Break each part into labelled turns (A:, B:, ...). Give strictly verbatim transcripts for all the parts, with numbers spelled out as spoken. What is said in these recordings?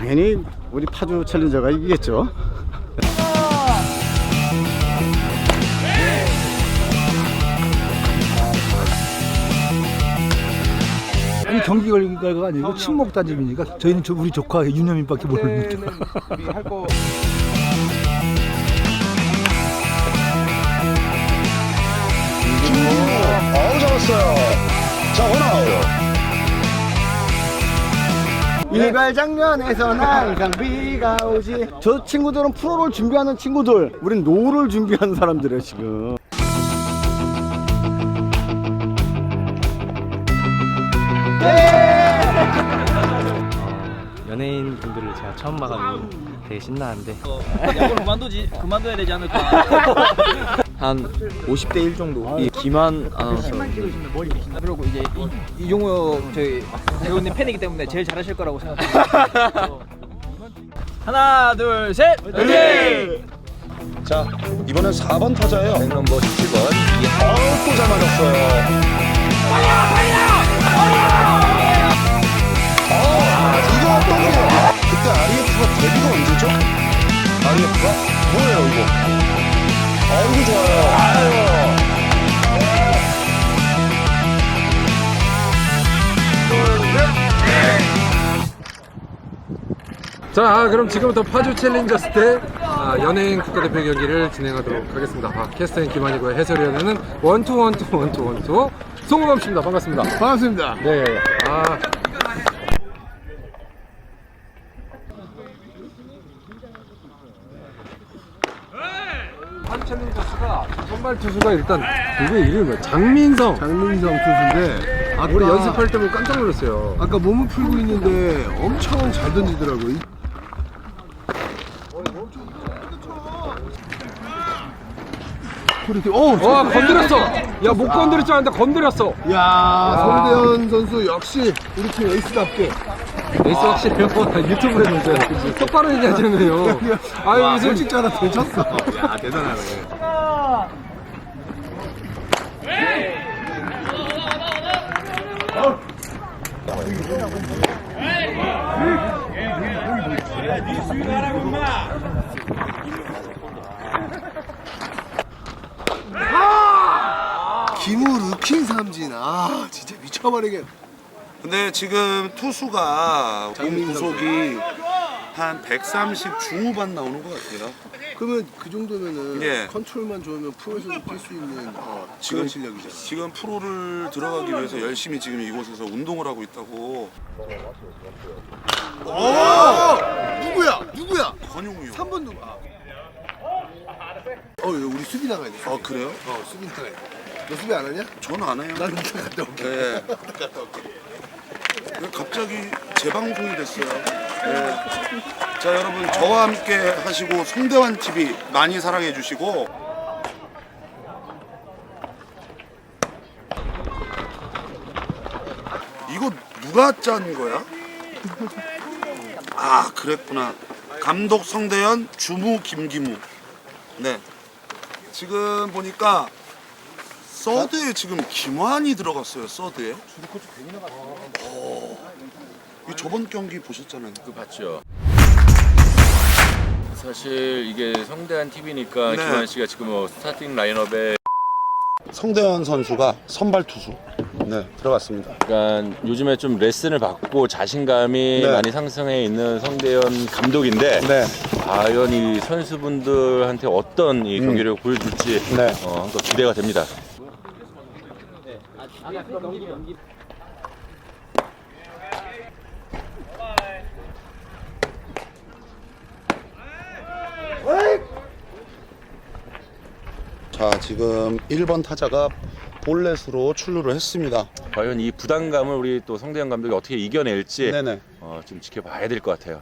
A: 당연히 우리 파주 챌린저가 이기겠죠.
B: 아니 경기 걸린 거가 아니고 친목 다짐이니까 저희는 저 우리 조카 윤여민밖에 모릅니다.
C: 아우 잡았어요. 자 원아웃.
A: 일발 장면에서는 항상 비가 오지. 저 친구들은 프로를 준비하는 친구들, 우린 노를 준비하는 사람들이에요 지금.
D: 연예인 분들을 제가 처음 봐가지고 되게 신나는데
E: 야구를 그만두지 그만둬야 되지 않을까.
D: 한 오십 대 일 정도. 이 김한 아나운서
E: 그리고 이제 이, 이종호 저희 배우님 팬이기 때문에 제일 잘하실 거라고 생각합니다. 하나 둘 셋. 네.
C: 자 이번엔 사 번 타자예요.
D: 넘버 십칠 번
C: 아우 또 잘 맞았어요. 아 이거 또 그래요. 그때 아리에프가 데뷔가 언제죠? 아리에프가 뭐예요 이거? 아이고 좋아요. 아유.
F: 자, 그럼 지금부터 파주 챌린저스 때 아, 연예인 국가대표 경기를 진행하도록 하겠습니다. 아, 캐스터인 김한이고요. 해설위원회는 원투 원투 원투 원투 송우범 씨입니다. 반갑습니다.
A: 반갑습니다.
F: 네. 아. 파주 챌린저스가 선발 투수가 일단 누구의 이름이 뭐야? 장민성.
A: 장민성 투수인데 아까,
F: 우리 연습할 때 보고 깜짝 놀랐어요.
A: 아까 몸을 풀고 있는데 엄청 잘 던지더라고요. 오,
F: 와, 건드렸어. 야, 못 건드릴 줄 알았는데 건드렸어.
A: 야, 송대현 선수 역시 우리 팀 에이스답게.
F: 에이스 확실해요. 유튜브에 보세요. 똑바로 얘기하잖아요. 아유,
A: 와,
F: 무슨
A: 솔직히 하나 되쳤어. 야, 대단하네. 김우 루킹 삼진. 아, 진짜 미쳐버리겠네.
C: 근데 지금 투수가 몸 구속이 한 백삼십 중후반 나오는 것 같아요.
A: 그러면 그 정도면은
C: 예.
A: 컨트롤만 좋으면 프로에서도 뛸 수 있는 어,
C: 지금
A: 지금 실력이잖아.
C: 지금 프로를 들어가기 위해서 열심히 지금 이곳에서 운동을 하고 있다고.
A: 오! 누구야? 누구야?
C: 권용우요.
A: 삼 번 누구? 아. 어, 이거 우리 수비 나가야 돼. 수비.
C: 아 그래요?
A: 어, 수비 나가야 돼. 너 수비 안 하냐?
C: 저는 안 해요.
A: 난 이따 갔다 올게.
C: 네.
A: 갔다 올게.
C: 왜 갑자기 재방송이 됐어요. 네. 자 여러분 저와 함께 하시고 송대환 티비 많이 사랑해 주시고. 이거 누가 짠 거야? 아 그랬구나. 감독 성대현, 주무 김기무. 네. 지금 보니까 서드에 지금 김환이 들어갔어요. 서드에. 오, 이 저번 경기 보셨잖아요.
G: 그 봤죠. 사실 이게 성대한 티비니까
C: 네.
G: 김한 씨가 지금 뭐 스타팅 라인업에
C: 성대현 선수가 선발 투수. 네, 들어갔습니다.
G: 약간 요즘에 좀 레슨을 받고 자신감이
C: 네.
G: 많이 상승해 있는 성대현 감독인데
C: 네.
G: 과연 이 선수분들한테 어떤 이
C: 음.
G: 경기를 보여줄지
C: 네.
G: 어, 한번 기대가 됩니다.
C: 자, 지금 일 번 타자가 볼넷으로 출루를 했습니다.
G: 과연 이 부담감을 우리 또 성대현 감독이 어떻게 이겨낼지
C: 네네.
G: 어, 좀 지켜봐야 될 것 같아요.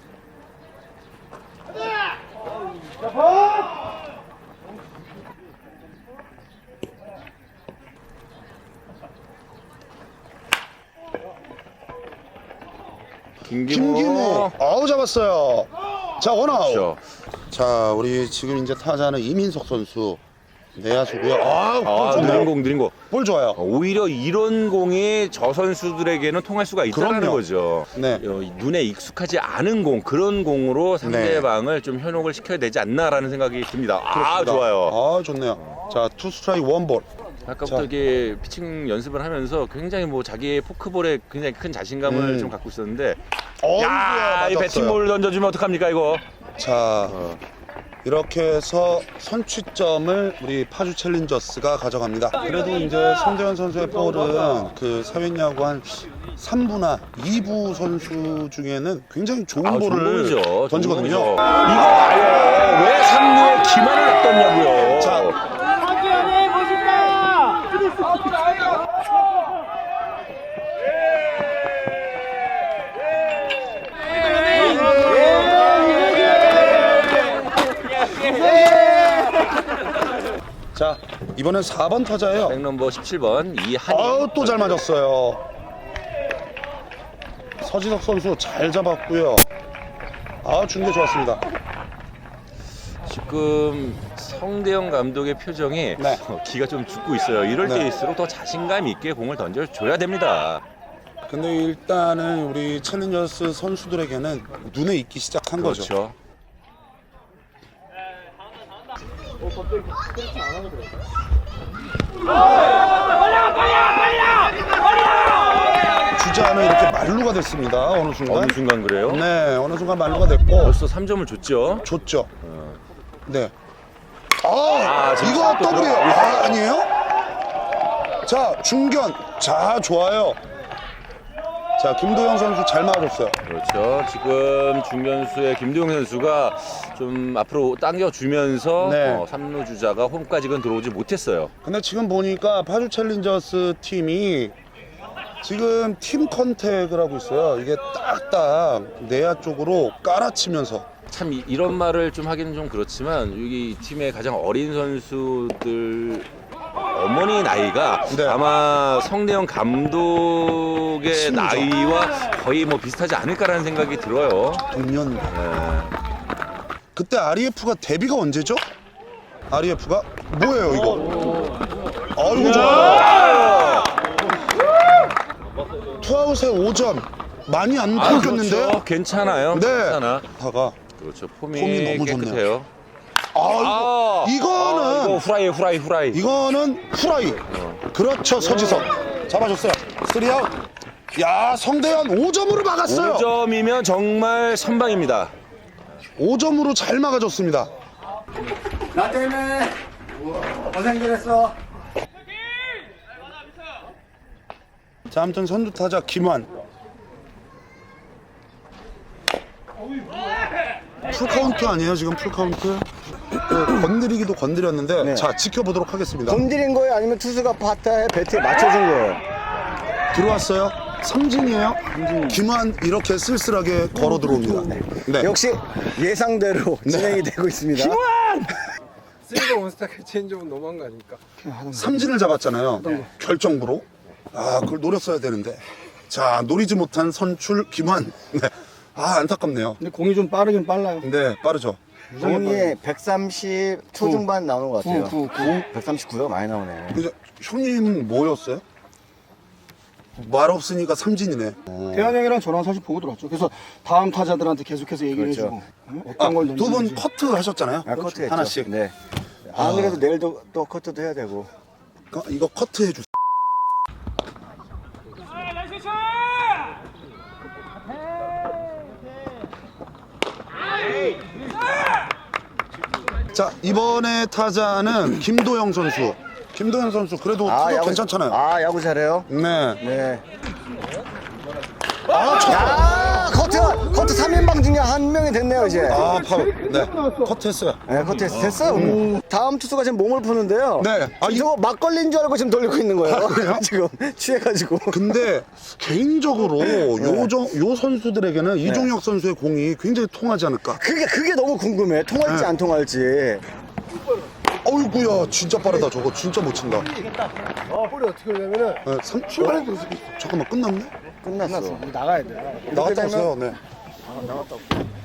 G: 김기모.
C: 김기모. 아우 잡았어요. 자, 원아웃.
G: 그렇죠.
C: 자, 우리 지금 이제 타자는 이민석 선수. 내야수고요. 아,
G: 아,
C: 볼
G: 느린
C: 좋네요.
G: 공, 느린 공.
C: 볼 좋아요.
G: 오히려 이런 공이 저 선수들에게는 통할 수가 있다는
C: 그럼요.
G: 거죠.
C: 네.
G: 어, 눈에 익숙하지 않은 공, 그런 공으로 상대방을 좀 현혹을 시켜야 되지 않나라는 생각이 듭니다. 아,
C: 그렇습니다.
G: 좋아요.
C: 아, 좋네요. 자, 투 스트라이크 원 볼.
G: 아까부터
C: 자.
G: 이게 피칭 연습을 하면서 굉장히 뭐 자기의 포크볼에 굉장히 큰 자신감을
C: 음.
G: 좀 갖고 있었는데,
C: 어이구야,
G: 야, 이
C: 맞았어요.
G: 배팅볼 던져주면 어떡합니까 이거?
C: 자, 이렇게 해서 선취점을 우리 파주 챌린저스가 가져갑니다. 그래도 이제 성대현 선수의 볼은 그 사회야구 한 삼 부나 이 부 선수 중에는 굉장히 좋은
G: 아, 좋은
C: 볼을
G: 볼이죠. 좋은
C: 던지거든요.
G: 볼이죠. 이거 봐요. 왜 삼 루에 기만을 놨더냐고요.
C: 자, 자, 이번엔 사 번 타자예요.
G: 백넘버 십칠 번 이한이.
C: 아우, 또 잘 맞았어요. 서지석 선수 잘 잡았고요. 아, 중계 좋았습니다.
G: 지금 성대영 감독의 표정이
C: 네.
G: 어, 기가 좀 죽고 있어요. 이럴
C: 네.
G: 때일수록 더 자신감 있게 공을 던져줘야 됩니다.
C: 근데 일단은 우리 챌린저스 선수들에게는 눈에 익기 시작한 거죠.
G: 그렇죠.
C: 주자는 이렇게 말루가 됐습니다. 어느 순간.
G: 어느 순간 그래요?
C: 네, 어느 순간 말루가 됐고
G: 벌써 삼 점을 줬죠.
C: 좋죠. 네. 아,
G: 아, 지금
C: 이거
G: 또
C: 더블이에요.
G: 들어가고
C: 아, 아니에요? 자, 중견. 자, 좋아요. 자, 김도영 선수 잘 막아줬어요.
G: 그렇죠. 지금 중견수의 김도영 선수가 좀 앞으로 당겨주면서
C: 네.
G: 어, 삼 루 주자가 홈까지는 들어오지 못했어요.
C: 근데 지금 보니까 파주 챌린저스 팀이 지금 팀 컨택을 하고 있어요. 이게 딱딱 내야 쪽으로 깔아치면서.
G: 참 이, 이런 말을 좀 하기는 좀 그렇지만 여기 이 팀의 가장 어린 선수들 어머니 나이가
C: 네.
G: 아마 성대영 감독의
C: 심죠.
G: 나이와 거의 뭐 비슷하지 않을까라는 생각이 들어요.
C: 동년.
G: 네.
C: 그때 알이에프가 데뷔가 언제죠? 알이에프가 뭐예요 이거? 아이고 좋아요. 투아웃에 오 점 많이 안
G: 아,
C: 바뀌었는데요?
G: 그렇죠. 괜찮아요.
C: 네.
G: 괜찮아.
C: 다가
G: 그렇죠. 폼이,
C: 폼이 너무 좋네요.
G: 깨끗해요.
C: 아, 이거, 이거는
G: 아, 이거 후라이 후라이 후라이.
C: 이거는 후라이. 그렇죠, 서지석. 잡아줬어요. 쓰리아웃. 야, 성대현 오 점으로 막았어요.
G: 오 점이면 정말 선방입니다.
C: 오 점으로 잘 막아줬습니다.
A: 나 때문에 고생들 했어.
C: 자, 아무튼 선두 타자 김환. 풀카운트 아니에요, 지금 풀카운트? 그, 건드리기도 건드렸는데,
A: 네.
C: 자, 지켜보도록 하겠습니다.
A: 건드린 거예요? 아니면 투수가 바타에 배트에 맞춰준 거예요?
C: 들어왔어요. 삼진이에요. 김환 이렇게 쓸쓸하게 걸어 들어옵니다. 네.
A: 역시 예상대로 진행이 되고 있습니다.
F: 쓰리가 원스타크 체인지업은 너무한 거 아닙니까?
C: 삼진을 잡았잖아요. 결정부로. 아, 그걸 노렸어야 되는데. 자, 노리지 못한 선출 김환. 네. 아, 안타깝네요.
B: 근데 공이 좀 빠르긴 빨라요.
C: 네, 빠르죠.
A: 공이 백삼십 초중반 나오는 것 같아요.
B: 구, 구,
A: 백삼십구가 많이 나오네.
C: 그죠? 형님은 뭐였어요? 말 없으니까 삼진이네.
B: 대한 형이랑 저랑 사실 보고 들어왔죠. 그래서 다음 타자들한테 계속해서 얘기를
A: 그렇죠.
B: 해주고 응?
C: 아,
B: 어떤 걸
C: 두 분
B: 던지는지.
C: 커트 하셨잖아요.
A: 아, 커트 했죠.
C: 하나씩.
A: 네. 안 그래도 내일도 또 커트도 해야 되고.
C: 어, 이거 커트 해주세요. 자, 이번에 타자는 김도영 선수. 김도영 선수 그래도 타격 괜찮잖아요.
A: 아, 야구 잘해요?
C: 네.
A: 네.
C: 아, 저...
A: 야, 커트! 커트 삼 인방 중에 한 명이 됐네요, 이제.
C: 아, 파울. 네. 커트 했어요.
A: 네, 커트 했- 됐어요. 오늘. 다음 투수가 지금 몸을 푸는데요.
C: 네. 아, 이-
A: 저거 막걸리인 줄 알고 지금 돌리고 있는 거예요.
C: 그래요?
A: 지금 취해가지고.
C: 근데 개인적으로 요정 요 선수들에게는 이종혁 선수의 공이 굉장히 통하지 않을까.
A: 그게, 그게 너무 궁금해. 통할지
C: 네.
A: 안 통할지.
C: 어이구야, 진짜 빠르다. 저거 진짜 못 친다.
B: 어, 볼이 어떻게 되냐면은
C: 네, 삼,
B: 출발해도
C: 어, 잠깐만, 끝났네?
A: 끝났어.
B: 나가야 돼.
C: 나갔다
A: 되면-
C: 왔어요. 네.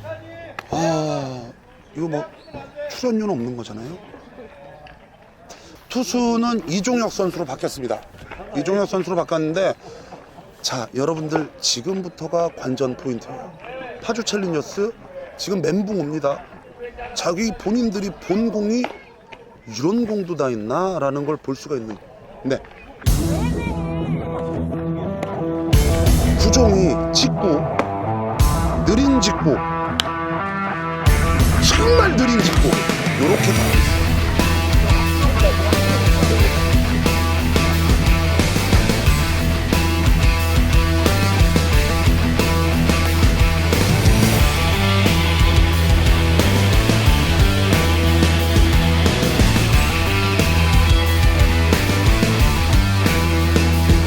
C: 아, 이거 뭐 출연료는 없는 거잖아요. 투수는 이종혁 선수로 바뀌었습니다. 이종혁 선수로 바꿨는데 자, 여러분들 지금부터가 관전 포인트예요. 파주 챌린저스 지금 멘붕 옵니다. 자기 본인들이 본 공이 이런 공도 다 있나? 라는 걸 볼 수가 있는. 네. 구종이 직구, 느린 직구, 정말 느린 직구, 요렇게 가고 있어요.